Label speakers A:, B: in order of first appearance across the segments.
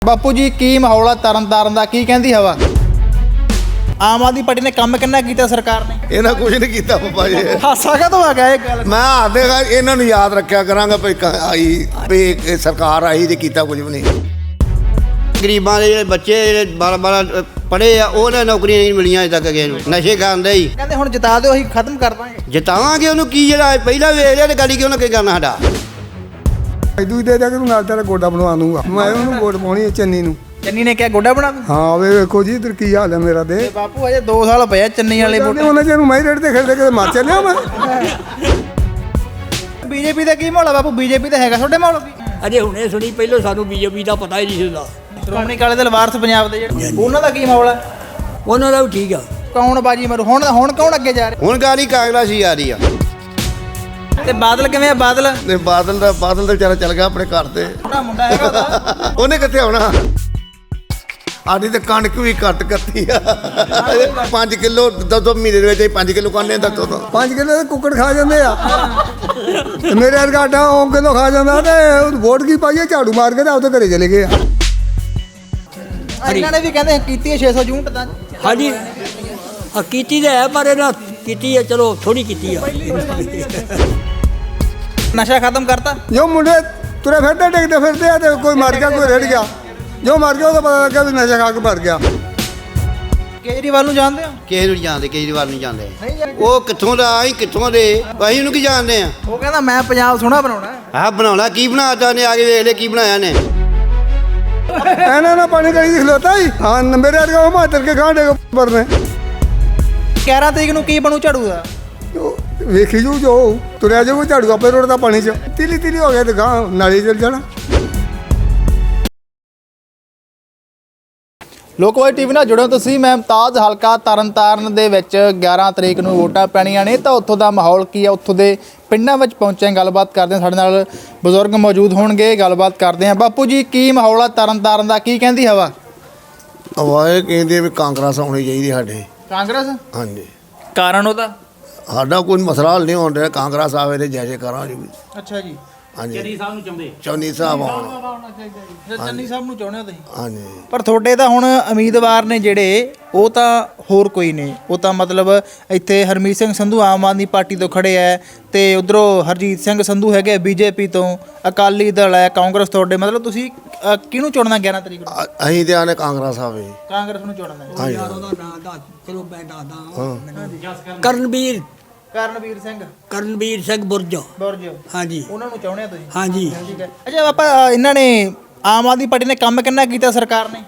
A: ਬਾਪੂ ਜੀ ਕੀ ਮਾਹੌਲ ਆ ਤਰਨਤਾਰਨ ਦਾ, ਕੀ ਕਹਿੰਦੀ ਹਵਾ? ਆਮ ਆਦਮੀ ਪਾਰਟੀ ਨੇ ਕੰਮ ਕਿੰਨਾ ਕੀਤਾ ਸਰਕਾਰ ਨੇ?
B: ਇਹਨਾਂ ਕੁਝ ਨਹੀਂ ਕੀਤਾ ਪਪਾ ਜੀ।
A: ਹਾਸਾ ਕਦੋਂ ਆ ਗਿਆ ਇਹ ਗੱਲ?
B: ਮੈਂ ਆਦੇਗਾ ਇਹਨਾਂ ਨੂੰ ਯਾਦ ਰੱਖਿਆ ਕਰਾਂਗਾ ਵੀ ਆਈ ਵੀ ਇਹ ਸਰਕਾਰ ਆਈ ਤੇ ਕੀਤਾ ਕੁਝ ਵੀ ਨਹੀਂ।
C: ਗਰੀਬਾਂ ਦੇ ਜਿਹੜੇ ਬੱਚੇ ਜਿਹੜੇ 12 ਪੜ੍ਹੇ ਆ ਉਹਨਾਂ ਨੌਕਰੀਆਂ ਨਹੀਂ ਮਿਲੀਆਂ ਅਜੇ ਤੱਕ ਕਿਸੇ ਨੂੰ। ਨਸ਼ੇ ਕਰਦੇ ਹੀ
A: ਕਹਿੰਦੇ ਹੁਣ ਜਿਤਾ ਦਿਓ ਅਸੀਂ ਖਤਮ ਕਰ ਦਾਂਗੇ।
C: ਜਿਤਾਵਾਂਗੇ ਉਹਨੂੰ ਕੀ, ਜਿਹੜਾ ਪਹਿਲਾਂ ਵੇਖ ਲਿਆ ਤੇ ਗਾੜੀ ਕਿਉਂ ਨਾ ਕੀ ਕਰਨਾ ਸਾਡਾ।
D: ਦੂਜੀ ਦੇ ਤੱਕ ਨਾਲ ਤੇਰਾ ਗੋਡਾ ਬਣਵਾ ਦੂੰਗਾ ਮੈਂ, ਉਹਨੂੰ ਵੋਟ ਪਾਉਣੀ ਹੈ ਚੰਨੀ ਨੂੰ।
A: ਚੰਨੀ ਨੇ ਕਿਹਾ ਗੋਡਾ ਬਣਾ ਦੂੰ।
D: ਹਾਂ ਵੇਖੋ ਜੀ ਇਧਰ ਕੀ ਹਾਲ ਹੈ ਮੇਰਾ ਤੇ
A: ਬਾਪੂ ਅਜੇ 2 ਸਾਲ ਪਏ ਚੰਨੀ ਵਾਲੇ ਵੋਟ।
D: ਉਹਨਾਂ ਜਿਹਨੂੰ ਮੈਂ ਰੇਡ ਤੇ ਖੇਡਦੇ ਕਿਤੇ ਮਰ ਚੱਲਿਆ ਮੈਂ।
A: ਬੀਜੇਪੀ ਦਾ ਕੀ ਮਾਹੌਲ ਆ ਬਾਪੂ? ਬੀਜੇਪੀ ਦਾ ਹੈਗਾ ਤੁਹਾਡੇ ਮਾਹੌਲ ਵੀ?
E: ਅਜੇ ਹੁਣੇ ਸੁਣੀ, ਪਹਿਲਾਂ ਸਾਨੂੰ ਬੀਜੇਪੀ ਦਾ ਪਤਾ ਹੀ ਨਹੀਂ ਸੀਗਾ।
A: ਸ਼੍ਰੋਮਣੀ ਅਕਾਲੀ ਦਲ ਵਾਰਸ ਪੰਜਾਬ ਦੇ ਜਿਹੜੇ, ਉਹਨਾਂ ਦਾ ਕੀ ਮਾਹੌਲ ਆ?
E: ਉਹਨਾਂ ਦਾ ਵੀ ਠੀਕ ਆ।
A: ਕੌਣ ਬਾਜੀ ਮਾਰੂ ਹੁਣ ਕੌਣ ਅੱਗੇ ਜਾ ਰਿਹਾ?
C: ਹੁਣ ਗਾੜੀ ਕਾਂਗਰਸ ਹੀ ਆ ਰਹੀ ਆ।
A: ਤੇ ਬਾਦਲ ਕਿਵੇਂ ਆ? ਬਾਦਲ
B: ਤੇ ਬਾਦਲ ਦਾ ਵਿਚਾਰਾ ਚੱਲ ਗਿਆ ਆਪਣੇ ਘਰ ਤੇ।
A: ਛੋਟਾ ਮੁੰਡਾ ਹੈਗਾ ਉਹਦਾ।
B: ਉਹਨੇ ਕਿੱਥੇ ਆਉਣਾ? ਆਡੀ ਤੇ ਕਣਕ ਵੀ ਘੱਟ ਕੱਤੀ ਆ। 5 ਕਿਲੋ 2 ਮਹੀਨੇ ਦੇ ਵਿੱਚ 5 ਕਿਲੋ ਕਾਨੇ ਦੱਸੋ ਤਾਂ
D: 5 ਕਿਲੋ ਦੇ ਕੁੱਕੜ ਖਾ ਜਾਂਦੇ ਆ ਤੇ ਮੇਰੇ ਵਰਗਾ ਆਟਾ ਉਹ ਕਿਲੋ ਖਾ ਜਾਂਦਾ ਤੇ ਵੋਟ ਕੀ ਪਾਈਏ ਝਾੜੂ ਮਾਰ ਕੇ ਤੇ ਉਹਦੇ ਘਰੇ ਚਲੇ ਗਏ ਆ।
A: ਇਹਨਾਂ ਨੇ ਵੀ ਕਹਿੰਦੇ ਕੀਤੀ ਹੈ 600 ਯੂਨਿਟ ਦਾ।
E: ਹਾਂਜੀ ਆ ਕੀਤੀ ਤਾਂ ਹੈ, ਪਰ ਇਹਨਾਂ ਕੀਤੀ ਹੈ, ਚਲੋ ਥੋੜੀ ਕੀਤੀ ਆ।
A: ਨਸ਼ਾ ਖਤਮ ਕਰਤਾ।
D: ਜੋ ਮੁੰਡੇ ਤੁਰੇ ਫਿਰਦੇ ਡਿੱਗਦੇ ਫਿਰਦੇ ਆ ਤੇ ਕੋਈ ਮਰ ਗਿਆ ਕੋਈ ਰੜ ਗਿਆ। ਜੋ ਮਰ ਗਿਆ ਉਹਦਾ ਪਤਾ ਲੱਗਾ ਵੀ ਨਸ਼ਾ ਖਾ ਕੇ ਮਰ ਗਿਆ।
A: ਕੇਜਰੀਵਾਲ ਨੂੰ ਜਾਣਦੇ ਹੋ?
C: ਕਿਸੇ ਨੂੰ ਨਹੀਂ ਜਾਣਦੇ, ਕੇਜਰੀਵਾਲ ਨਹੀਂ ਜਾਣਦੇ।
A: ਨਹੀਂ ਜਾਣਦੇ।
C: ਉਹ ਕਿੱਥੋਂ ਦਾ, ਅਸੀਂ ਕਿੱਥੋਂ ਦੇ, ਅਸੀਂ ਉਹਨੂੰ ਕੀ ਜਾਣਦੇ ਆ।
A: ਉਹ ਕਹਿੰਦਾ ਮੈਂ ਪੰਜਾਬ ਸੋਹਣਾ ਬਣਾਉਣਾ।
C: ਆਹ ਬਣਾਉਣਾ ਕੀ ਬਣਾਤਾ ਨੇ, ਆ ਕੇ ਵੇਖ ਲੈ ਕੀ ਬਣਾਇਆ ਨੇ।
D: ਇਹਨਾਂ ਨਾਲ ਪਾਣੀ ਕਰੀ ਖਲੋਤਾ ਹੀ। ਹਾਂ ਮੇਰੇ ਵਰਗਾ ਉਹ ਮਾਤਰ ਕੇ ਖਾਂਡੇ ਪਰਨੇ
A: 11 ਤਰੀਕ ਨੂੰ ਕੀ ਬਣੂ ਝਾੜੂ ਦਾ?
D: ਵੇਖੀ ਜੂ ਜੋ ਤੁਰਿਆ ਜਾਊ ਝਾੜੂ ਆਪੇ ਰੋਡ ਦਾ ਪਾਣੀ ਚ ਤਿਲੀ ਹੋ ਗਿਆ ਤੇ ਗਾਂ ਨਾਲੀ ਚਲ ਜਾਣਾ।
A: ਲੋਕਵਾਈ ਟੀਵੀ ਨਾਲ ਜੁੜੋ ਤੁਸੀਂ। ਮੈਂ ਮੁਮਤਾਜ਼, ਹਲਕਾ ਤਰਨਤਾਰਨ ਦੇ ਵਿੱਚ 11 ਤਰੀਕ ਨੂੰ ਵੋਟਾਂ ਪੈਣੀਆਂ ਨੇ ਤਾਂ ਉੱਥੋਂ ਦਾ ਮਾਹੌਲ ਕੀ ਆ, ਉੱਥੋਂ ਦੇ ਪਿੰਡਾਂ ਵਿੱਚ ਪਹੁੰਚੇ, ਗੱਲਬਾਤ ਕਰਦੇ ਹਾਂ। ਸਾਡੇ ਨਾਲ ਬਜ਼ੁਰਗ ਮੌਜੂਦ ਹੋਣਗੇ, ਗੱਲਬਾਤ ਕਰਦੇ ਹਾਂ। ਬਾਪੂ ਜੀ ਕੀ ਮਾਹੌਲ ਆ ਤਰਨਤਾਰਨ ਦਾ, ਕੀ ਕਹਿੰਦੀ ਹਵਾ?
B: ਆਵਾਜ਼ ਕਹਿੰਦੇ ਵੀ ਕਾਂਗਰਸ ਆਉਣੀ ਚਾਹੀਦੀ ਸਾਡੇ।
A: ਕਾਂਗਰਸ?
B: ਹਾਂਜੀ,
A: ਕਾਰਨ ਉਹਦਾ?
B: ਸਾਡਾ ਕੋਈ ਮਸਲਾ ਹੱਲ ਨਹੀਂ ਹੋਣ ਰਿਹਾ। ਕਾਂਗਰਸ ਆਵੇ ਤੇ ਜੈ ਕਰਾਂਗੇ।
A: ਅੱਛਾ ਜੀ।
B: ਹਾਂਜੀ, ਚੰਨੀ ਸਾਹਿਬ ਨੂੰ ਚਾਹੁੰਦੇ। ਚੰਨੀ ਸਾਹਿਬ ਆਉਣ।
A: ਚੰਨੀ ਸਾਹਿਬ ਨੂੰ ਚਾਹੁੰਦੇ ਹੋ ਤੁਸੀਂ?
B: ਹਾਂਜੀ,
A: ਪਰ ਤੁਹਾਡੇ ਤਾਂ ਹੁਣ ਉਮੀਦਵਾਰ ਨੇ ਜਿਹੜੇ, ਉਹ ਤਾਂ ਹੋਰ ਕੋਈ ਨੇ। ਉਹ ਤਾਂ ਮਤਲਬ ਇੱਥੇ ਹਰਮੀਤ ਸਿੰਘ ਸੰਧੂ ਆਮ ਆਦਮੀ ਪਾਰਟੀ ਤੋਂ ਖੜੇ ਹੈ ਤੇ ਉਧਰੋਂ ਹਰਜੀਤ ਸਿੰਘ ਸੰਧੂ ਹੈਗੇ ਬੀਜੇਪੀ ਤੋਂ, ਅਕਾਲੀ ਦਲ ਹੈ, ਕਾਂਗਰਸ। ਤੁਹਾਡੇ ਮਤਲਬ ਤੁਸੀਂ ਕਿਹਨੂੰ ਚੁਣਨਾ 11 ਤਰੀਕ ਨੂੰ?
B: ਅਸੀਂ ਤੇ ਆਨੇ ਕਾਂਗਰਸ ਆਵੇ।
A: ਕਾਂਗਰਸ ਨੂੰ ਚੁਣਨਾ।
B: ਹਾਂਜੀ,
E: ਚਲੋ ਮੈਂ ਦੱਸਦਾ। ਕਰਨਵੀਰ ਸਿੰਘ ਬੁਰਜ। ਹਾਂਜੀ
A: ਉਹਨਾਂ ਨੂੰ ਚਾਹੁੰਦੇ ਆ ਤੁਸੀਂ?
E: ਹਾਂਜੀ।
A: ਠੀਕ ਹੈ। ਅੱਛਾ ਆਪਾਂ ਇਹਨਾਂ ਨੇ ਆਮ ਆਦਮੀ ਪਾਰਟੀ ਨੇ ਕੰਮ ਕਿੰਨਾ ਕੀਤਾ ਸਰਕਾਰ ਨੇ?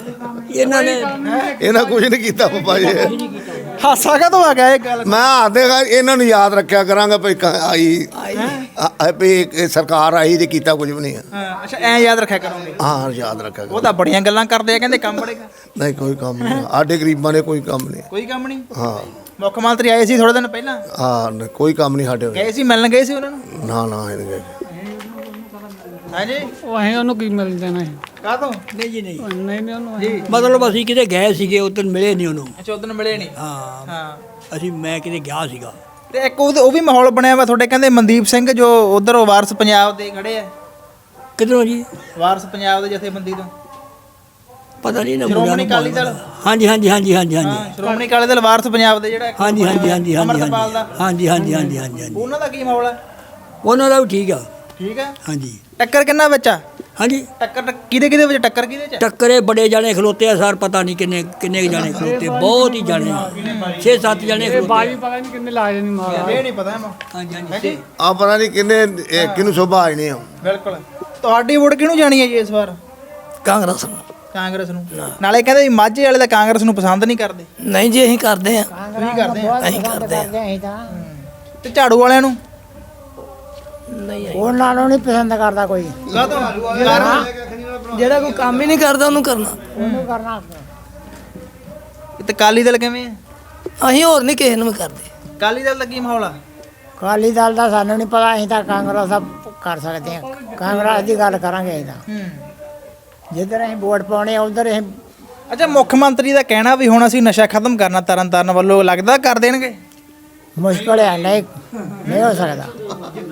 B: ਇਹਨਾਂ ਕੁਝ ਨਹੀਂ ਕੀਤਾ ਪਪਾ ਜੀ।
A: ਹਾਸਾ ਕਦੋਂ ਆ ਗਿਆ ਇਹ ਗੱਲ?
B: ਮੈਂ ਆਦੇਗਾ ਇਹਨਾਂ ਨੂੰ ਯਾਦ ਰੱਖਿਆ ਕਰਾਂਗਾ ਵੀ ਆਈ ਵੀ ਇਹ ਸਰਕਾਰ ਆਈ ਤੇ ਕੀਤਾ ਕੁਝ ਵੀ ਨਹੀਂ।
A: ਅੱਛਾ ਐਂ ਯਾਦ ਰੱਖਿਆ ਕਰੋਗੇ?
B: ਹਾਂ ਯਾਦ ਰੱਖਿਆ
A: ਉਹ ਤਾਂ ਬੜੀਆਂ ਗੱਲਾਂ ਕਰਦੇ ਆ, ਕਹਿੰਦੇ ਕੰਮ ਬੜੇਗਾ।
B: ਨਹੀਂ ਕੋਈ ਕੰਮ ਨਹੀਂ ਸਾਡੇ ਗਰੀਬਾਂ ਨੇ, ਕੋਈ ਕੰਮ ਨਹੀਂ।
A: ਕੋਈ ਕੰਮ ਨਹੀਂ?
B: ਹਾਂ
A: ਮੁੱਖ ਮੰਤਰੀ ਆਏ ਸੀ ਥੋੜੇ ਦਿਨ ਪਹਿਲਾਂ।
B: ਹਾਂ ਕੋਈ ਕੰਮ ਨਹੀਂ ਸਾਡੇ।
A: ਗਏ ਸੀ, ਮਿਲਣ ਗਏ ਸੀ ਉਹਨਾਂ ਨੂੰ?
B: ਨਾ ਇਹਨੇ
A: ਹਾਂਜੀ।
F: ਉਹ ਅਸੀਂ ਉਹਨੂੰ ਕੀ ਮਿਲ ਜਾਣਾ ਹੈ?
A: ਕਾਹਤੋਂ?
E: ਨਹੀਂ ਜੀ, ਨਹੀਂ
F: ਨਹੀਂ ਉਹਨੂੰ
A: ਜੀ।
E: ਮਤਲਬ ਅਸੀਂ ਕਿਤੇ ਗਏ ਸੀਗੇ, ਉਦੋਂ ਮਿਲੇ ਨਹੀਂ ਉਹਨੂੰ।
A: ਅੱਛਾ ਉਦੋਂ ਮਿਲੇ ਨਹੀਂ?
E: ਹਾਂ ਮੈਂ ਕਿਤੇ ਗਿਆ ਸੀਗਾ।
A: ਤੇ ਇੱਕ ਉਹ ਵੀ ਮਾਹੌਲ ਬਣਿਆ ਵਾ ਤੁਹਾਡੇ, ਕਹਿੰਦੇ ਮਨਦੀਪ ਸਿੰਘ ਜੋ ਉਧਰ ਵਾਰਸ ਪੰਜਾਬ ਦੇ ਖੜੇ ਆ।
E: ਕਿੱਧਰੋਂ ਜੀ?
A: ਵਾਰਸ ਪੰਜਾਬ ਦੇ ਜਥੇਬੰਦੀ ਤੋਂ।
E: ਪਤਾ ਨਹੀਂ ਨਾ।
A: ਸ਼੍ਰੋਮਣੀ ਅਕਾਲੀ ਦਲ?
E: ਹਾਂਜੀ।
A: ਸ਼੍ਰੋਮਣੀ ਅਕਾਲੀ ਦਲ ਵਾਰਸ ਪੰਜਾਬ ਦੇ ਜਿਹੜਾ
E: ਹਾਂਜੀ।
A: ਅਮਰਤਪਾਲ ਦਾ।
E: ਹਾਂਜੀ।
A: ਉਹਨਾਂ ਦਾ ਕੀ ਮਾਹੌਲ ਹੈ?
E: ਉਹਨਾਂ ਦਾ ਵੀ ਠੀਕ ਆ।
A: ਠੀਕ ਹੈ।
E: ਹਾਂਜੀ।
A: ਟੱਕਰ ਕਿੰਨਾ ਵਿੱਚ ਆ?
E: ਹਾਂਜੀ।
A: ਟੱਕਰ ਕਿਹਦੇ ਵਿੱਚ? ਟੱਕਰ ਕਿਹਦੇ ਚ?
E: ਟੱਕਰੇ ਬੜੇ ਜਾਣੇ ਖਲੋਤੇ ਆ ਸਰ, ਪਤਾ ਨਹੀਂ ਕਿੰਨੇ ਜਾਣੇ ਖਲੋਤੇ, ਬਹੁਤ ਹੀ ਜਾਣੇ, 6-7 ਜਾਣੇ ਖਲੋਤੇ।
F: ਬਾਜੀ ਪਤਾ ਨਹੀਂ ਕਿੰਨੇ ਲਾਏ ਨਹੀਂ ਮਾਰ।
A: ਇਹ ਨਹੀਂ ਪਤਾ ਇਹਨੂੰ।
E: ਹਾਂਜੀ।
B: ਆ ਪਤਾ ਨਹੀਂ ਕਿਹਨੂੰ ਸ਼ੋਭਾ ਆਈ ਨਹੀਂ ਆ।
A: ਬਿਲਕੁਲ। ਤੁਹਾਡੀ ਵੋਟ ਕਿਹਨੂੰ ਜਾਣੀ ਹੈ ਜੀ ਇਸ ਵਾਰ?
E: ਕਾਂਗਰਸ
A: ਕਾਂਗਰਸ ਨੂੰ। ਨਾਲੇ ਕਹਿੰਦੇ ਵੀ ਮਾਝੇ ਵਾਲੇ ਤਾਂ ਕਾਂਗਰਸ ਨੂੰ ਪਸੰਦ ਨਹੀਂ ਕਰਦੇ।
E: ਨਹੀਂ ਜੀ, ਅਸੀਂ ਕਰਦੇ ਆ।
A: ਤੁਸੀਂ ਕਰਦੇ ਆ?
E: ਅਸੀਂ ਕਰਦੇ ਆ।
A: ਤੇ ਝਾੜੂ ਵਾਲਿਆਂ ਨੂੰ?
G: ਉਹਨਾਂ ਨੂੰ ਨਹੀਂ ਪਸੰਦ ਕਰਦਾ ਕੋਈ।
E: ਜਿਹੜਾ ਕੋਈ ਕੰਮ ਹੀ ਨਹੀਂ ਕਰਦਾ ਉਹਨੂੰ ਕਰਨਾ।
G: ਉਹਨੂੰ ਕਰਨਾ।
A: ਤੇ ਅਕਾਲੀ ਦਲ ਕਿਵੇਂ ਹੈ?
E: ਅਸੀਂ ਹੋਰ ਨਹੀਂ ਕਿਸੇ ਨੂੰ ਵੀ ਕਰਦੇ।
A: ਅਕਾਲੀ ਦਲ ਦਾ ਕੀ ਮਾਹੌਲ ਆ?
G: ਅਕਾਲੀ ਦਲ ਦਾ ਸਾਨੂੰ ਨਹੀਂ ਪਤਾ। ਅਸੀਂ ਤਾਂ ਕਾਂਗਰਸ ਦਾ ਕਰ ਸਕਦੇ ਹਾਂ। ਕਾਂਗਰਸ ਦੀ ਗੱਲ ਕਰਾਂਗੇ ਅਸੀਂ ਤਾਂ। ਜਿੱਧਰ ਅਸੀਂ ਵੋਟ ਪਾਉਣੇ ਆ ਉਧਰ ਅਸੀਂ।
A: ਅੱਛਾ ਮੁੱਖ ਮੰਤਰੀ ਦਾ ਕਹਿਣਾ ਵੀ ਹੁਣ ਅਸੀਂ ਨਸ਼ਾ ਖਤਮ ਕਰਨਾ ਤਰਨਤਾਰਨ ਵੱਲੋਂ, ਲੱਗਦਾ ਕਰ ਦੇਣਗੇ?
G: ਮੁਸ਼ਕਲ ਹੈ। ਨਹੀਂ ਹੋ ਸਕਦਾ।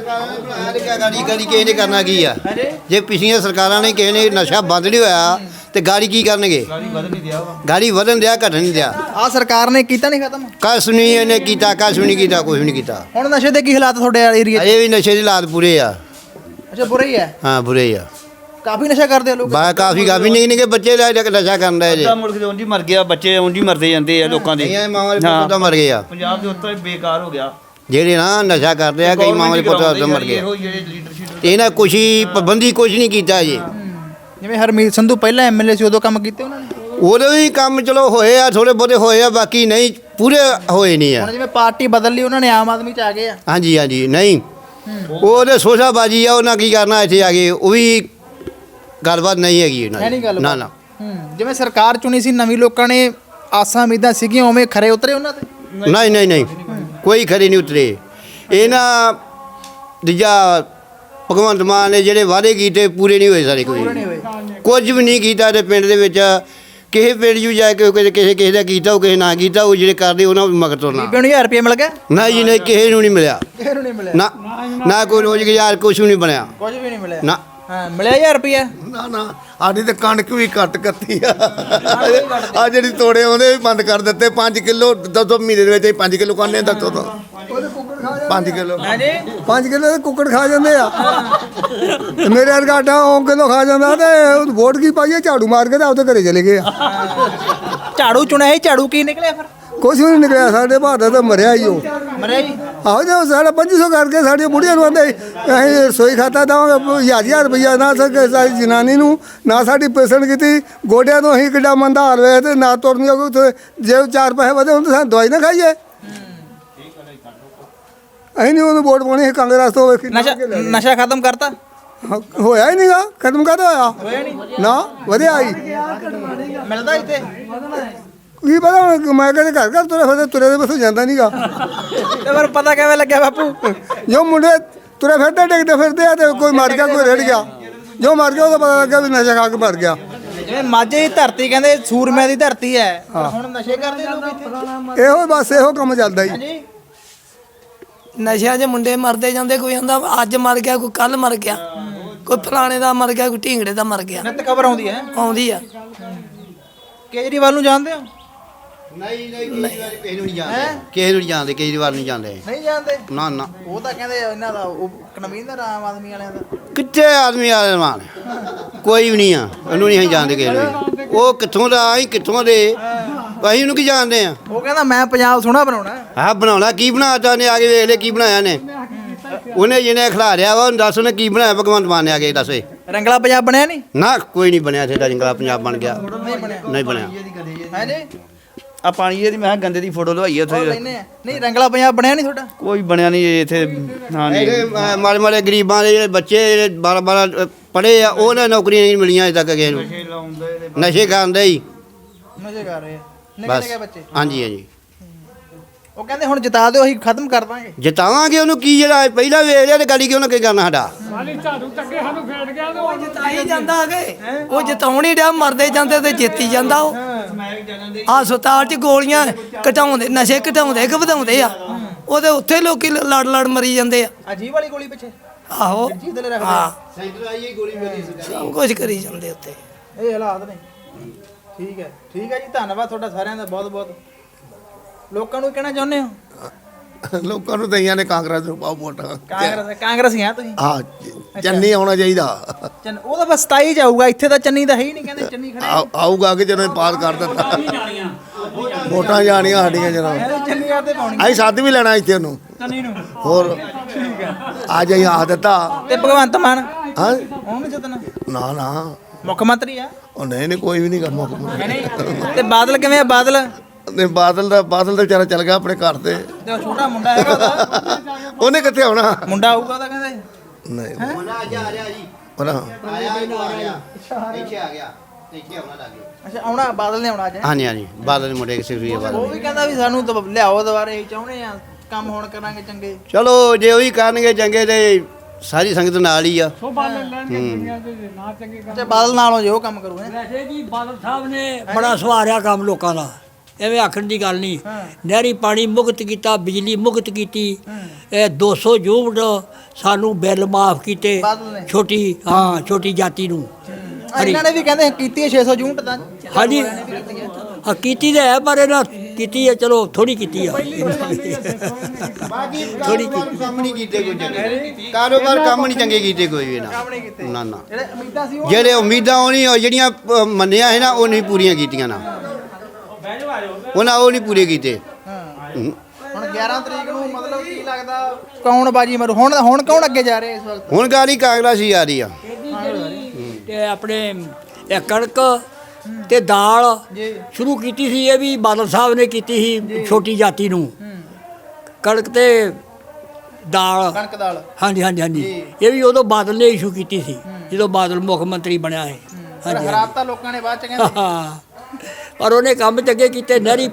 C: ਗਾੜੀ ਕਿਸੇ ਨੇ ਕਰਨਾ ਕੀ ਆ ਜੇ ਪਿਛਲੀਆਂ ਸਰਕਾਰਾਂ ਨੇ ਕਿਸੇ ਨੇ ਨਸ਼ਾ ਬੰਦ ਨਹੀਂ ਹੋਇਆ ਤੇ ਗਾੜੀ ਕੀ ਕਰਨਗੇ ਗਾੜੀ ਵਧਣ ਦਿਆ ਘਟਣ ਨਹੀਂ ਦਿਆ
A: ਆ ਸਰਕਾਰ ਨੇ ਕੀਤਾ ਨਹੀਂ ਖਤਮ
C: ਕੁਛ ਨਹੀਂ ਇਹਨੇ ਕੀਤਾ ਕੁਛ ਵੀ ਨਹੀਂ ਕੀਤਾ ਕੁਛ ਵੀ ਨਹੀਂ ਕੀਤਾ
A: ਹੁਣ ਨਸ਼ੇ ਦੇ ਕੀ ਹਾਲਾਤ ਤੁਹਾਡੇ ਏਰੀਆ 'ਚ?
C: ਅਜੇ ਵੀ ਨਸ਼ੇ ਦੀ ਹਾਲਾਤ ਪੂਰੇ ਆ
A: ਅੱਛਾ ਬੁਰਾ ਹੀ ਹੈ,
C: ਹਾਂ ਬੁਰੇ ਹੀ ਆ
A: ਕਾਫੀ ਨਸ਼ਾ ਕਰਦੇ ਆ ਲੋਕ।
C: ਕਾਫੀ ਨਿੱਕੇ ਨਿੱਕੇ ਬੱਚੇ ਦਾ ਨਸ਼ਾ ਕਰਨ ਦਾ ਜੇ
H: ਅੱਧਾ ਮੁਲਕ ਦੇ ਉਂਝ ਹੀ ਮਰ ਗਿਆ ਬੱਚੇ ਉਂਝ ਹੀ ਮਰਦੇ ਜਾਂਦੇ ਆ ਲੋਕਾਂ ਦੇ
C: ਕਈਆਂ ਮਾਵਾਂ ਦੇ ਪੁੱਤ ਤਾਂ ਮਰ ਗਏ ਆ
H: ਪੰਜਾਬ ਦੇ ਉੱਤੋਂ ਹੀ ਬੇਕਾਰ ਹੋ ਗਿਆ
C: ਜਿਹੜੇ ਨਾ ਨਸ਼ਾ ਕਰਦੇ ਆ ਕਈ ਮਾਵਾਂ ਦੇ ਪੁੱਤ ਤਾਂ ਮਰ ਗਏ
H: ਇਹੋ ਜਿਹੜੇ ਲੀਡਰਸ਼ਿਪ
C: ਤੇ ਇਹਨਾਂ ਕੁਛ ਹੀ ਪਾਬੰਦੀ ਕੁਛ ਨਹੀਂ ਕੀਤਾ ਜੀ
A: ਜਿਵੇਂ ਹਰਮੀਤ ਸੰਧੂ ਪਹਿਲਾਂ ਐਮਐਲਏ ਸੀ ਉਦੋਂ ਕੰਮ ਕੀਤੇ ਉਹਨਾਂ ਨੇ,
C: ਉਹਦੇ ਵੀ ਕੰਮ ਚਲੋ ਹੋਏ ਆ ਥੋੜੇ ਬਹੁਤੇ ਹੋਏ ਆ ਬਾਕੀ ਨਹੀਂ ਪੂਰੇ ਹੋਏ ਨਹੀਂ ਆ
A: ਹੁਣ ਜਿਵੇਂ ਪਾਰਟੀ ਬਦਲ ਲਈ ਉਹਨਾਂ ਨੇ ਆਮ ਆਦਮੀ 'ਚ ਆ ਗਏ ਆ।
C: ਹਾਂਜੀ ਹਾਂਜੀ ਨਹੀਂ ਉਹਦੇ ਸੋਸ਼ਾਬਾਜੀ ਆ ਉਹਨਾਂ ਕੀ ਕਰਨਾ ਇੱਥੇ ਆ ਕੇ ਉਹ ਵੀ ਗੱਲਬਾਤ ਨਹੀਂ ਹੈਗੀ
A: ਹੈ
C: ਉਹਨਾਂ
A: ਨਹੀਂ
C: ਦੀ
A: ਗੱਲ
C: ਨਾ ਨਾ
A: ਜਿਵੇਂ ਸਰਕਾਰ ਚੁਣੀ ਸੀ ਨਵੀਂ, ਲੋਕਾਂ ਨੇ ਆਸਾਂ ਉਮੀਦਾਂ ਸੀਗੀਆਂ ਉਵੇਂ ਖਰੇ ਉਤਰੇ ਉਹਨਾਂ ਤੇ।
C: ਨਹੀਂ ਨਹੀਂ ਨਹੀਂ ਕੋਈ ਖਰੀ ਨਹੀਂ ਉਤਰੇ ਇਹਨਾਂ ਦੂਜਾ ਭਗਵੰਤ ਮਾਨ ਨੇ ਜਿਹੜੇ ਵਾਅਦੇ ਕੀਤੇ ਪੂਰੇ ਨਹੀਂ ਹੋਏ ਸਾਰੇ ਕੋਈ ਕੁਝ ਵੀ ਨਹੀਂ ਕੀਤਾ ਤੇ ਪਿੰਡ ਦੇ ਵਿੱਚ ਕਿਸੇ ਪਿੰਡ 'ਚ ਜਾ ਕੇ ਕਿਸੇ ਦਾ ਕੀਤਾ ਉਹ ਕਿਸੇ ਨਾ ਕੀਤਾ ਉਹ ਜਿਹੜੇ ਕਰਦੇ ਉਹਨਾਂ ਨੂੰ ਮਗਰ ਤੁਰਨਾ
A: ਬੀਬੀ ਨੂੰ 1000 ਰੁਪਏ ਮਿਲ ਗਿਆ,
C: ਨਾ ਜੀ ਨਹੀਂ ਕਿਸੇ ਨੂੰ ਨਹੀਂ ਮਿਲਿਆ
A: ਕਿਸੇ ਨੂੰ ਨਹੀਂ ਮਿਲਿਆ,
C: ਨਾ ਨਾ ਕੋਈ ਰੋਜ਼ਗਾਰ ਕੁਛ ਵੀ ਨਹੀਂ ਬਣਿਆ
A: ਕੁਝ ਵੀ ਨਹੀਂ ਮਿਲਿਆ।
C: ਨਾ
A: ਹਾਂ ਮਿਲਿਆ 1000 ਰੁਪਏ।
B: ਨਾ ਸਾਡੀ ਤੇ ਕਣਕ ਵੀ ਘੱਟ ਕੱਤੀ ਆ ਆ ਜਿਹੜੀ ਤੋੜੇ ਆਉਂਦੇ ਵੀ ਬੰਦ ਕਰ ਦਿੱਤੇ 5 ਕਿਲੋ ਦੋ ਮਹੀਨੇ ਦੇ ਵਿੱਚ ਹੀ 5 ਕਿਲੋ ਕਾਨੇ ਦੱਸੋ ਤਾਂ 5 ਕਿਲੋ
A: ਹਾਂਜੀ
D: 5 ਕਿਲੋ ਦੇ ਕੁੱਕੜ ਖਾ ਜਾਂਦੇ ਆ ਮੇਰੇ ਵਰਗਾ ਆਟਾ ਉਹ ਕਿਲੋ ਖਾ ਜਾਂਦਾ ਤੇ ਉਹ ਵੋਟ ਕੀ ਪਾਈਏ ਝਾੜੂ ਮਾਰ ਕੇ ਤੇ ਆਪਦੇ ਘਰੇ ਚਲੇ ਗਏ ਆ
A: ਝਾੜੂ ਚੁਣਿਆ ਸੀ, ਝਾੜੂ ਕੀ ਨਿਕਲਿਆ ਫਿਰ?
D: ਕੁਛ ਵੀ ਨਹੀਂ ਨਿਕਲਿਆ ਸਾਡੇ ਭਾਰਤ ਤਾਂ ਮਰਿਆ ਹੀ ਉਹ
A: ਮਰਿਆ ਜੀ।
D: ਆਹੋ ਜੇ ਸਾਡਾ 2500 ਕਰਕੇ ਸਾਡੀਆਂ ਬੁੜੀਆਂ ਨੂੰ ਆਂਦੇ ਅਸੀਂ ਰਸੋਈ ਖਾਤਾ ਦੇਵਾਂਗੇ 1000 ਰੁਪਈਆ ਨਾ ਸਕੇ ਸਾਡੀ ਜਨਾਨੀ ਨੂੰ ਨਾ ਸਾਡੀ ਪੇਸ਼ੈਂਟ ਕੀਤੀ ਗੋਡਿਆਂ ਤੋਂ ਅਸੀਂ ਕਿੱਡਾ ਮੰਦਾ ਹਾਲ ਹੋਇਆ ਤੇ ਨਾ ਤੁਰਨ ਜੋਗੇ ਜੇ 4 ਪੈਸੇ ਵਧੇ ਹੁਣ ਤਾਂ ਸਾਨੂੰ ਦਵਾਈ ਨਾ ਖਾਈਏ ਅਸੀਂ ਨਹੀਂ ਉਹਨੂੰ ਵੋਟ ਪਾਉਣੀ ਕਾਂਗਰਸ ਤੋਂ
A: ਨਸ਼ਾ ਖਤਮ ਕਰਤਾ?
D: ਹੋਇਆ ਹੀ ਨਹੀਂਗਾ ਖਤਮ ਕਾਹਦਾ ਹੋਇਆ ਨਾ ਵਧਿਆ ਹੀ
A: ਮਿਲਦਾ ਇੱਥੇ?
D: ਕੀ ਪਤਾ ਹੁਣ ਮੈਂ ਕਹਿੰਦੇ ਘਰ ਘਰ ਤੁਰੇ ਦੇ ਬਸੋਂ ਜਾਂਦਾ ਨਹੀਂਗਾ
A: ਤੇ ਫਿਰ ਪਤਾ ਕਿਵੇਂ ਲੱਗਿਆ ਬਾਪੂ?
D: ਜੋ ਮੁੰਡੇ ਤੁਰੇ ਫਿਰਦੇ ਡਿੱਗਦੇ ਫਿਰਦੇ ਆ ਤੇ ਕੋਈ ਮਰ ਗਿਆ ਕੋਈ ਰੜ ਗਿਆ ਜੋ ਮਰ ਗਿਆ ਉਹਦਾ ਪਤਾ ਲੱਗਾ ਵੀ ਨਸ਼ਾ ਖਾ ਕੇ ਮਰ ਗਿਆ
A: ਜਿਵੇਂ ਮਾਝੇ ਦੀ ਧਰਤੀ ਕਹਿੰਦੇ ਸੂਰਮਿਆਂ ਦੀ ਧਰਤੀ ਹੈ, ਪਰ ਹੁਣ ਨਸ਼ੇ ਕਰਦੇ ਲੋਕ ਇੱਥੇ।
D: ਇਹੋ ਬਸ ਇਹੋ ਕੰਮ ਚੱਲਦਾ ਹੀ
A: ਹਾਂਜੀ
I: ਨਸ਼ਿਆਂ 'ਚ ਮੁੰਡੇ ਮਰਦੇ ਜਾਂਦੇ ਕੋਈ ਕਹਿੰਦਾ ਅੱਜ ਮਰ ਗਿਆ ਕੋਈ ਕੱਲ ਮਰ ਗਿਆ ਕੋਈ ਫਲਾਣੇ ਦਾ ਮਰ ਗਿਆ ਕੋਈ ਢੀਂਗੜੇ ਦਾ ਮਰ ਗਿਆ
A: ਨਿੱਤ ਖਬਰ ਆਉਂਦੀ ਹੈ।
I: ਆਉਂਦੀ ਆ
A: ਕੇਜਰੀਵਾਲ ਨੂੰ ਜਾਣਦੇ ਹੋ?
C: ਨਹੀਂ ਕਿਸੇ ਨੂੰ ਨਹੀਂ ਜਾਣਦੇ ਕਿਸੇ ਨੂੰ ਨਹੀਂ ਜਾਣਦੇ ਕੇਜਰੀਵਾਲ ਨਹੀਂ ਜਾਣਦੇ
A: ਨਹੀਂ ਜਾਣਦੇ?
C: ਨਾ ਨਾ
A: ਉਹ ਤਾਂ ਕਹਿੰਦੇ ਇਹਨਾਂ ਦਾ ਉਹ ਕਨਵੀਨਰ ਆਮ ਆਦਮੀ ਵਾਲਿਆਂ ਦਾ।
C: ਕਿੱਥੇ ਆਦਮੀ ਆਲੇ ਮਾਨ ਕੋਈ ਵੀ ਨਹੀਂ ਆ ਉਹਨੂੰ ਨਹੀਂ ਅਸੀਂ ਜਾਣਦੇ ਕਿਸੇ ਨੂੰ ਵੀ। ਉਹ ਕਿੱਥੋਂ ਦਾ ਅਸੀਂ ਕਿੱਥੋਂ ਦੇ ਅਸੀਂ ਉਹਨੂੰ ਕੀ ਜਾਣਦੇ ਆ
A: ਉਹ ਕਹਿੰਦਾ ਮੈਂ ਪੰਜਾਬ ਸੋਹਣਾ ਬਣਾਉਣਾ।
C: ਆਹ ਬਣਾਉਣਾ ਕੀ ਬਣਾਤਾ ਨੇ ਆ ਕੇ ਵੇਖ ਲੈ ਕੀ ਬਣਾਇਆ ਨੇ ਉਹਨੇ ਜਿਹਨੇ ਖਿਲਾਰਿਆ ਵਾ ਉਹਨੂੰ ਦੱਸ ਉਹਨੇ ਕੀ ਬਣਾਇਆ ਭਗਵੰਤ ਮਾਨ ਨੇ ਆ ਕੇ ਦੱਸੇ
A: ਰੰਗਲਾ ਪੰਜਾਬ ਬਣਿਆ ਨਹੀਂ?
C: ਨਾ ਕੋਈ ਨਹੀਂ ਬਣਿਆ ਇੱਥੇ ਦਾ ਜੰਗਲਾ ਪੰਜਾਬ ਬਣ ਗਿਆ ਨਹੀਂ ਬਣਿਆ
A: ਹਾਂਜੀ
H: ਆ ਪਾਣੀ ਇਹਦੀ ਮੈਂ ਕਿਹਾ ਗੰਦੇ ਦੀ ਫੋਟੋ ਲਵਾਈ ਉੱਥੇ
A: ਲੈਨੇ ਆ। ਨਹੀਂ ਰੰਗਲਾ ਪੰਜਾਬ ਬਣਿਆ ਨਹੀਂ ਤੁਹਾਡਾ?
H: ਕੋਈ ਬਣਿਆ ਨਹੀਂ ਇੱਥੇ ਹਾਂ ਨਹੀਂ
C: ਜਿਹੜੇ ਮਾੜੇ ਮਾੜੇ ਗਰੀਬਾਂ ਦੇ ਜਿਹੜੇ ਬੱਚੇ ਜਿਹੜੇ 12 ਪੜ੍ਹੇ ਆ ਉਹਨਾਂ ਨੌਕਰੀਆਂ ਨਹੀਂ ਮਿਲੀਆਂ ਅਜੇ ਤੱਕ ਕਿਸੇ ਨੂੰ ਨਸ਼ੇ ਕਰਦੇ ਹੀ
A: ਨਸ਼ੇ ਕਰ ਰਹੇ ਆ ਨਿੱਕੇ
C: ਬਸ
A: ਨਿੱਕੇ ਬੱਚੇ।
C: ਹਾਂਜੀ ਹਾਂਜੀ
A: ਉਹ ਕਹਿੰਦੇ ਹੁਣ ਜਿਤਾ ਦਿਓ ਅਸੀਂ ਖਤਮ ਕਰ ਦਾਂਗੇ।
C: ਜਿਤਾਵਾਂਗੇ ਉਹਨੂੰ ਕੀ ਜਿਹੜਾ ਪਹਿਲਾਂ ਵੇਖ ਲਿਆ ਤੇ ਗਾੜੀ ਕਿਉਂ ਨਾ ਕੀ ਕਰਨਾ ਸਾਡਾ
F: ਝਾੜੂ ਚੱਕੇ ਸਾਨੂੰ ਫੇਟ ਗਿਆ ਤੇ ਉਹ
I: ਜਿਤਾਈ ਜਾਂਦਾ ਅਗੇ ਉਹ ਜਿਤਾਉਣ ਹੀ ਡਿਆ ਮਰਦੇ ਜਾਂਦੇ ਤੇ ਜਿੱਤੀ ਜਾਂਦਾ ਉਹ ਹਸਪਤਾਲ 'ਚ ਗੋਲੀਆਂ ਘਟਾਉਂਦੇ ਨਸ਼ੇ ਘਟਾਉਂਦੇ ਕਿ ਵਧਾਉਂਦੇ ਆ ਉਹਦੇ ਉੱਥੇ ਲੋਕੀ ਲੜ ਲੜ ਮਰੀ ਜਾਂਦੇ ਆ
A: ਅਜੀਬ ਵਾਲੀ ਗੋਲੀ ਪਿੱਛੇ
I: ਆਹੋ
A: ਜੀਤ ਲੈ ਰੱਖਦੇ
I: ਹਾਂ
C: ਸੈਂਟਰ ਆਈ ਗੋਲੀ ਮੇਰੀ
I: ਸਭ ਕੁਝ ਕਰੀ ਜਾਂਦੇ ਉੱਤੇ
A: ਇਹ ਹਾਲਾਤ ਨੇ। ਠੀਕ ਹੈ ਜੀ, ਧੰਨਵਾਦ ਤੁਹਾਡਾ ਸਾਰਿਆਂ ਦਾ ਬਹੁਤ ਬਹੁਤ। ਲੋਕਾਂ ਨੂੰ ਕਹਿਣਾ ਚਾਹੁੰਦੇ ਹੋ?
B: ਲੋਕਾਂ ਨੂੰ ਦਈਆਂ ਨੇ ਕਾਂਗਰਸ ਨੂੰ ਪਾਓ ਵੋਟਾਂ
A: ਕਾਂਗਰਸੀ ਆ ਤੁਸੀਂ?
B: ਹਾਂ ਚੰਨੀ ਆਉਣਾ ਚਾਹੀਦਾ
A: ਉਹ ਤਾਂ ਬਸ 27 ਚ ਆਊਗਾ, ਇੱਥੇ ਤਾਂ ਚੰਨੀ ਦਾ ਹੈ ਹੀ ਨਹੀਂ, ਕਹਿੰਦੇ ਚੰਨੀ ਖੜੇ
B: ਆਊਗਾ ਕਿ ਜਦੋਂ ਪਾਸ ਕਰ ਦਿੱਤਾ ਵੋਟਾਂ ਜਾਣੀਆਂ ਸਾਡੀਆਂ ਜਨਾਬ
A: ਚੰਨੀ ਆ ਤੇ ਪਾਉਣੀ
B: ਅਸੀਂ ਸੱਦ ਵੀ ਲੈਣਾ ਇੱਥੇ ਉਹਨੂੰ
A: ਚੰਨੀ ਨੂੰ।
B: ਹੋਰ ਅੱਜ ਅਸੀਂ ਆਖ ਦਿੱਤਾ
A: ਤੇ ਭਗਵੰਤ ਮਾਨ
B: ਹਾਂ
A: ਉਹਨੂੰ ਜਿੱਤਣਾ?
B: ਨਾ
A: ਮੁੱਖ ਮੰਤਰੀ ਆ
B: ਉਹ ਨਹੀਂ ਕੋਈ ਵੀ ਨਹੀਂ ਕੰਮ
A: ਨਹੀਂ। ਤੇ ਬਾਦਲ ਕਿਵੇਂ ਆ? ਬਾਦਲ
B: ਬਾਦਲ ਦਾ ਵਿਚਾਰਾ ਚੱਲ ਗਿਆ ਆਪਣੇ ਘਰ ਤੇ
A: ਤੇ ਉਹ ਛੋਟਾ ਮੁੰਡਾ ਹੈਗਾ ਉਹਦਾ,
B: ਉਹਨੇ ਕਿੱਥੇ ਆਉਣਾ
A: ਮੁੰਡਾ ਆਊਗਾ ਉਹਦਾ ਕਹਿੰਦੇ।
B: ਨਹੀਂ
C: ਆ ਰਿਹਾ ਜੀ
B: ਉਹਨਾਂ
C: ਆਇਆ ਇੱਥੇ ਆ ਗਿਆ ਇੱਥੇ ਆਉਣਾ ਲੱਗੇ
A: ਅੱਛਾ ਆਉਣਾ ਬਾਦਲ ਨੇ ਆਉਣਾ ਅੱਜ।
C: ਹਾਂਜੀ ਹਾਂਜੀ ਬਾਦਲ ਦੇ ਮੁੰਡੇ ਕਿਸੇ ਵੀ ਬਾਦਲ
A: ਉਹ ਵੀ ਕਹਿੰਦਾ ਵੀ ਸਾਨੂੰ ਲਿਆਓ ਦੁਬਾਰੇ, ਅਸੀਂ ਚਾਹੁੰਦੇ ਆ ਕੰਮ ਹੁਣ ਕਰਾਂਗੇ ਚੰਗੇ।
C: ਚਲੋ ਜੇ ਉਹੀ ਕਰਨਗੇ ਚੰਗੇ ਤੇ ਸਾਰੀ ਸੰਗਤ ਨਾਲ ਹੀ ਆ
F: ਸੋਭਾ ਲੈ ਲੈਣਗੇ ਦੁਨੀਆ ਦੇ ਨਾ ਚੰਗੇ ਕੰਮ।
A: ਅੱਛਾ ਬਾਦਲ ਨਾਲੋਂ ਜੇ ਉਹ ਕੰਮ ਕਰੂ ਹੈ।
E: ਵੈਸੇ ਜੀ ਬਾਦਲ ਸਾਹਿਬ ਨੇ ਬੜਾ ਸਵਾਰਿਆ ਕੰਮ ਲੋਕਾਂ ਦਾ। ਐਵੇਂ ਆਖਣ ਦੀ ਗੱਲ ਨਹੀਂ। ਨਹਿਰੀ ਪਾਣੀ ਮੁਕਤ ਕੀਤਾ, ਬਿਜਲੀ ਮੁਕਤ ਕੀਤੀ, ਇਹ 200 ਯੂਨਿਟ ਸਾਨੂੰ ਬਿੱਲ ਮਾਫ ਕੀਤੇ
A: ਬਾਦਲ ਨੇ।
E: ਛੋਟੀ ਜਾਤੀ ਨੂੰ।
A: ਇਹਨਾਂ ਨੇ ਵੀ ਕਹਿੰਦੇ ਕੀਤੀ ਹੈ 600 ਯੂਨਿਟ ਦਾ।
E: ਹਾਂਜੀ ਹਾਂ ਕੀਤੀ ਤਾਂ ਹੈ, ਪਰ ਇਹਨਾਂ ਕੀਤੀ ਹੈ, ਚਲੋ ਥੋੜੀ ਕੀਤੀ ਆ। ਥੋੜੀ ਕੀਤੀ।
C: ਕੰਮ ਨਹੀਂ ਕੀਤੇ ਕੋਈ ਚੰਗੇ ਕਾਰੋਬਾਰ, ਕੰਮ ਨਹੀਂ ਚੰਗੇ ਕੀਤੇ ਕੋਈ ਵੀ ਨਾ ਨਾ।
A: ਜਿਹੜੇ ਉਮੀਦਾਂ ਸੀ ਉਹ
C: ਜਿਹੜੇ ਉਮੀਦਾਂ ਉਹ ਨਹੀਂ, ਉਹ ਜਿਹੜੀਆਂ ਮੰਨਿਆ ਹੈ ਨਾ, ਉਹ ਨਹੀਂ ਪੂਰੀਆਂ ਕੀਤੀਆਂ ਨਾ, ਉਹਨਾਂ ਉਹ ਨਹੀਂ ਪੂਰੇ ਕੀਤੇ।
A: ਹੁਣ 11 ਤਰੀਕ ਨੂੰ ਮਤਲਬ ਕੀ ਲੱਗਦਾ ਕੌਣ ਬਾਜੀ ਮਾਰੂ? ਹੁਣ ਕੌਣ ਅੱਗੇ ਜਾ ਰਿਹਾ ਇਸ ਵਕਤ?
C: ਹੁਣ ਗਾੜੀ ਕਾਂਗਰਸ ਹੀ ਆ ਰਹੀ ਆ।
E: ਤੇ ਆਪਣੇ ਇਹ ਕਣਕ ਤੇ ਦਾਲ
A: ਜੀ।
E: ਸ਼ੁਰੂ ਕੀਤੀ ਸੀ, ਇਹ ਵੀ ਬਾਦਲ ਸਾਹਿਬ ਨੇ ਕੀਤੀ ਸੀ ਛੋਟੀ ਜਾਤੀ ਨੂੰ। ਕਣਕ ਤੇ ਦਾਲ,
A: ਕਣਕ ਦਾਲ।
E: ਹਾਂਜੀ ਹਾਂਜੀ ਹਾਂਜੀ, ਇਹ ਵੀ ਉਦੋਂ ਬਾਦਲ ਨੇ ਇਸ਼ੂ ਕੀਤੀ ਸੀ, ਜਦੋਂ ਬਾਦਲ ਮੁੱਖ ਮੰਤਰੀ ਬਣਿਆ ਹੈ। ਹਾਂਜੀ
A: ਹਰਾਤਾ ਲੋਕਾਂ ਨੇ ਬਾਅਦ ਚ ਕਹਿੰਦੇ।
E: ਹਾਂ, ਪਰ ਉਹਨੇ ਕੰਮ ਚੰਗੇ ਕੀਤੇ। ਨਹਿਰੀ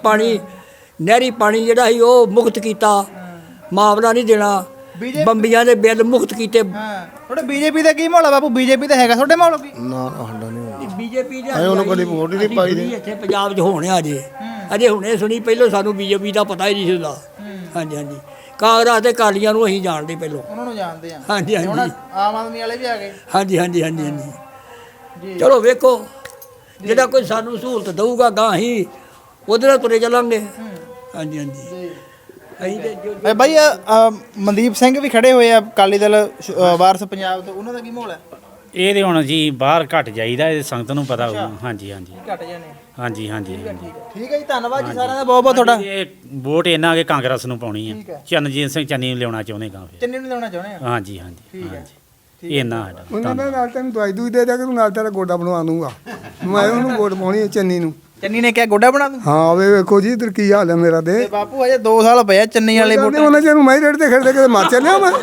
E: ਪਾਣੀ ਜਿਹੜਾ ਸੀ ਉਹ ਮੁਕਤ ਕੀਤਾ, ਮਾਮਲਾ ਨਹੀਂ ਦੇਣਾ। ਬੰਬੀਆਂ ਦੇ ਬਿੱਲ ਮੁਕਤ ਕੀਤੇ।
A: ਹਾਂ, ਤੁਹਾਡੇ ਬੀਜੇਪੀ ਦਾ ਕੀ ਮਾਹੌਲ ਆ ਬਾਪੂ? ਬੀਜੇਪੀ ਤਾਂ ਹੈਗਾ ਤੁਹਾਡੇ ਮਾਹੌਲ ਕੀ?
B: ਨਾ ਸਾਡਾ ਨਹੀਂ
E: ਬੀਜੇਪੀ ਦੇ
B: ਉਹਨੂੰ ਕਦੀ ਵੋਟ ਹੀ ਨਹੀਂ ਪਾਈ ਦੀ।
E: ਇੱਥੇ ਪੰਜਾਬ 'ਚ ਹੋਣਿਆ ਅਜੇ ਹੁਣੇ ਸੁਣੀ, ਪਹਿਲਾਂ ਸਾਨੂੰ ਬੀਜੇਪੀ ਦਾ ਪਤਾ ਹੀ ਨਹੀਂ ਸੀ ਹੁੰਦਾ। ਹਾਂਜੀ ਹਾਂਜੀ, ਕਾਂਗਰਸ ਦੇ ਅਕਾਲੀਆਂ ਨੂੰ ਅਸੀਂ ਜਾਣਦੇ ਪਹਿਲਾਂ।
A: ਉਹਨਾਂ ਨੂੰ ਜਾਣਦੇ ਆ।
E: ਹਾਂਜੀ
A: ਹੁਣ
E: ਹਾਂਜੀ
A: ਆਮ ਆਦਮੀ ਵਾਲੇ ਵੀ ਆ ਗਏ।
E: ਹਾਂਜੀ ਹਾਂਜੀ ਹਾਂਜੀ ਹਾਂਜੀ। ਚਲੋ ਵੇਖੋ, ਜਿਹੜਾ ਕੋਈ ਸਾਨੂੰ ਸਹੂਲਤ ਦਊਗਾ ਗਾਂ ਹੀ ਉਹਦੇ ਨਾਲ ਤੁਰੇ ਚੱਲਾਂਗੇ। ਹਾਂਜੀ ਹਾਂਜੀ, ਅਸੀਂ ਤੇ ਜੋ
A: ਬਾਈ ਮਨਦੀਪ ਸਿੰਘ ਵੀ ਖੜੇ ਹੋਏ ਆ ਅਕਾਲੀ ਦਲ ਵਾਰਸ ਪੰਜਾਬ ਤੋਂ, ਉਹਨਾਂ ਦਾ ਕੀ ਮਾਹੌਲ ਹੈ?
J: ਇਹ ਤੇ ਹੁਣ ਜੀ ਬਾਹਰ ਘਟ ਜਾਈਦਾ, ਇਹ ਸੰਗਤ ਨੂੰ ਪਤਾ ਹੋਊ। ਹਾਂਜੀ ਹਾਂਜੀ
A: ਘਟ ਜਾਣੇ।
J: ਹਾਂਜੀ ਹਾਂਜੀ ਹਾਂਜੀ।
A: ਠੀਕ ਹੈ ਜੀ, ਧੰਨਵਾਦ ਜੀ ਸਾਰਿਆਂ ਦਾ ਬਹੁਤ ਬਹੁਤ ਤੁਹਾਡਾ।
J: ਇਹ ਵੋਟ ਇਹਨਾਂ ਕੇ ਕਾਂਗਰਸ ਨੂੰ ਪਾਉਣੀ
A: ਠੀਕ ਹੈ।
J: ਆ। ਚਰਨਜੀਤ ਸਿੰਘ ਚੰਨੀ ਨੂੰ ਲਿਆਉਣਾ ਚਾਹੁੰਦੇ ਕਾਂ ਫਿਰ।
A: ਚੰਨੀ ਨੂੰ ਲਾਉਣਾ ਚਾਹੁੰਦੇ ਆ।
J: ਹਾਂਜੀ ਹਾਂਜੀ
A: ਠੀਕ ਹੈ।
J: ਹਾਂਜੀ, ਇੰਨਾ ਸਾਡਾ
D: ਉਹਨਾਂ ਦਾ ਨਾਲ ਤੈਨੂੰ ਦਵਾਈ ਦੂਈ ਦੇ ਦਿਆ ਕਿ ਤੂੰ ਨਾਲ ਤੇਰਾ ਗੋਡਾ ਬਣਵਾ ਦੂੰਗਾ। ਮੈਂ ਉਹਨੂੰ ਵੋਟ ਪਾਉਣੀ ਹੈ ਚੰਨੀ ਨੂੰ।
A: ਚੰਨੀ ਨੇ ਕਿਹਾ ਗੋਡਾ ਬਣਾ ਦੂੰ।
D: ਹਾਂ ਵੇ ਵੇਖੋ ਜੀ ਇਧਰ ਕੀ ਹਾਲ ਹੈ ਮੇਰਾ
A: ਤੇ
D: ਦੇ।
A: ਬਾਪੂ ਅਜੇ 2 ਸਾਲ ਪਏ ਆ ਚੰਨੀ ਵਾਲੇ ਵੋਟ।
D: ਉਹਨਾਂ ਜਿਹਨੂੰ ਮੈਂ ਰੇਟ ਤੇ ਖੜਦੇ ਕਿਤੇ ਮਰ ਚੱਲਿਆ ਮੈਂ।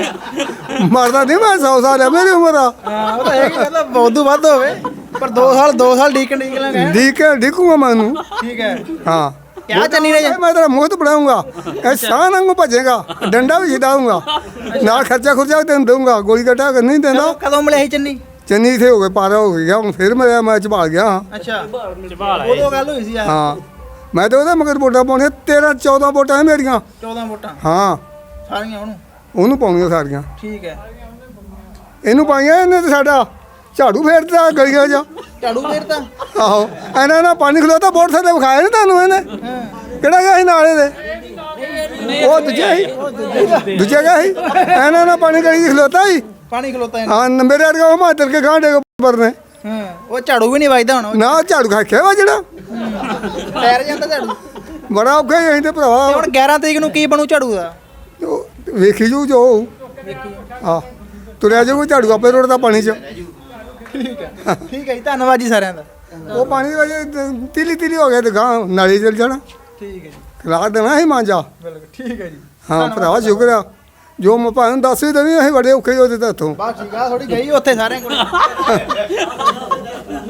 D: ਮਰਦਾ ਨਹੀਂ ਮੈਂ 100 ਸਾਲ ਹੈ ਮੇਰੀ ਉਮਰ ਆ।
A: ਹਾਂ, ਉਹ ਤਾਂ ਹੈ ਕਿ ਕਹਿੰਦਾ ਬਹੁਤ ਵੱਧ ਹੋਵੇ, ਪਰ 2 ਸਾਲ ਡੀਕ ਲਾਂਗੇ।
D: ਡੀਕੂਗਾ ਮੈਂ ਉਹਨੂੰ।
A: ਠੀਕ ਹੈ।
D: ਹਾਂ
A: ਕਿਆ ਚੰਨੀ ਨੇ?
D: ਮੈਂ ਤੇਰਾ ਮੁਹਤ ਬਣਾਉਂਗਾ, ਇਹ ਸ਼ਾਹ ਵਾਂਗੂ ਭੱਜੇਗਾ, ਡੰਡਾ ਵੀ ਛਡਾਉਂਗਾ, ਨਾਲ ਖਰਚਾ ਵੀ ਤੈਨੂੰ ਦਊਂਗਾ। ਗੋਲੀ ਕੱਟਾ ਨਹੀਂ ਦਿੰਦਾ।
A: ਕਦੋਂ ਮਿਲਿਆ ਸੀ ਚੰਨੀ?
D: ਚੰਨੀ ਇੱਥੇ ਹੋ ਗਏ ਪਾਰਾ ਹੋ ਗਿਆ, ਹੁਣ ਫਿਰ ਮੈਂ ਝਬਾਲ ਗਿਆ ਹਾਂ।
A: ਅੱਛਾ, ਉਦੋਂ ਗੱਲ ਹੋਈ ਸੀ ਯਾਰ।
D: ਹਾਂ ਮੈਂ ਤਾਂ ਉਹਦੇ ਮਗਰ ਵੋਟਾਂ ਪਾਉਣੀਆਂ 13-14 ਵੋਟਾਂ ਹੈ ਮੇਰੀਆਂ।
A: 14 ਵੋਟਾਂ
D: ਹਾਂ
A: ਸਾਰੀਆਂ
D: ਉਹਨੂੰ ਪਾਉਣੀਆਂ ਸਾਰੀਆਂ।
A: ਠੀਕ ਹੈ।
D: ਇਹਨੂੰ ਪਾਈਆਂ ਇਹਨੇ ਤੇ ਸਾਡਾ ਝਾੜੂ ਫੇਰਦਾ ਗਲੀਆਂ 'ਚ।
A: ਝਾੜੂ ਫੇਰਤਾ?
D: ਆਹੋ ਇਹਨਾਂ ਨਾਲ ਪਾਣੀ ਖਲੋਤਾ ਵੋਟ ਥੱਲੇ ਵਿਖਾਇਆ ਨਹੀਂ ਤੁਹਾਨੂੰ ਇਹਨੇ। ਕਿਹੜਾ ਗਿਆ ਸੀ ਨਾਲੇ ਦੇ? ਉਹ ਦੂਜਾ ਗਿਆ ਸੀ। ਇਹਨਾਂ ਨਾਲ ਪਾਣੀ ਗਲੀ 'ਚ ਖਲੋਤਾ ਸੀ।
A: ਪਾਣੀ ਖਲੋਤਾ ਹੈ।
D: ਹਾਂ ਮੇਰੇ ਵਰਗਾ ਉਹ ਮਾਤਰ ਕੇ ਗਾਂਡੇ ਉੱਪਰ ਨੇ।
A: ਹਾਂ, ਉਹ ਝਾੜੂ ਵੀ ਨਹੀਂ ਵੱਜਦਾ ਹੁਣ।
D: ਨਾ ਝਾੜੂ ਖਾਖਿਆ ਵਾ ਜਿਹੜਾ
A: ਪੈਰ ਜਾਂਦਾ ਝਾੜੂ।
D: ਬੜਾ ਔਖਾ ਹੀ ਅਸੀਂ ਤੇ
A: ਤੇ
D: ਭਰਾਵਾ।
A: ਹੁਣ 11 ਤਰੀਕ ਨੂੰ ਕੀ ਬਣੂ ਝਾੜੂ ਦਾ?
D: ਉਹ ਵੇਖੀ ਜੂ ਜੋ ਆ ਤੁਰਿਆ ਜਾਊ ਝਾੜੂ ਆਪੇ ਰੋੜਦਾ ਪਾਣੀ 'ਚ।
A: ਠੀਕ ਹੈ। ਠੀਕ ਹੈ ਜੀ, ਧੰਨਵਾਦ ਜੀ ਸਾਰਿਆਂ ਦਾ।
D: ਉਹ ਪਾਣੀ ਵਜੇ ਤੀਲੀ ਹੋ ਗਿਆ ਤੇ ਗਾਂ ਨਾਲੀ ਚਲ ਜਾਣਾ।
A: ਠੀਕ ਹੈ ਜੀ,
D: ਖਲਾ ਦੇਣਾ ਸੀ ਮਾਂਜਾ।
A: ਬਿਲਕੁਲ ਠੀਕ ਹੈ ਜੀ।
D: ਹਾਂ ਭਰਾਵਾ ਸ਼ੁਕਰ ਆ ਜੋ ਮੈਂ ਭਾਵੇਂ ਦੱਸ ਵੀ ਦੇਣੀ ਅਸੀਂ ਬੜੇ ਔਖੇ ਉਹਦੇ ਤਾਂ ਹੱਥੋਂ।
A: ਬਸ ਠੀਕ ਆ, ਥੋੜੀ ਗਈ ਉੱਥੇ ਸਾਰਿਆਂ ਕੋਲ।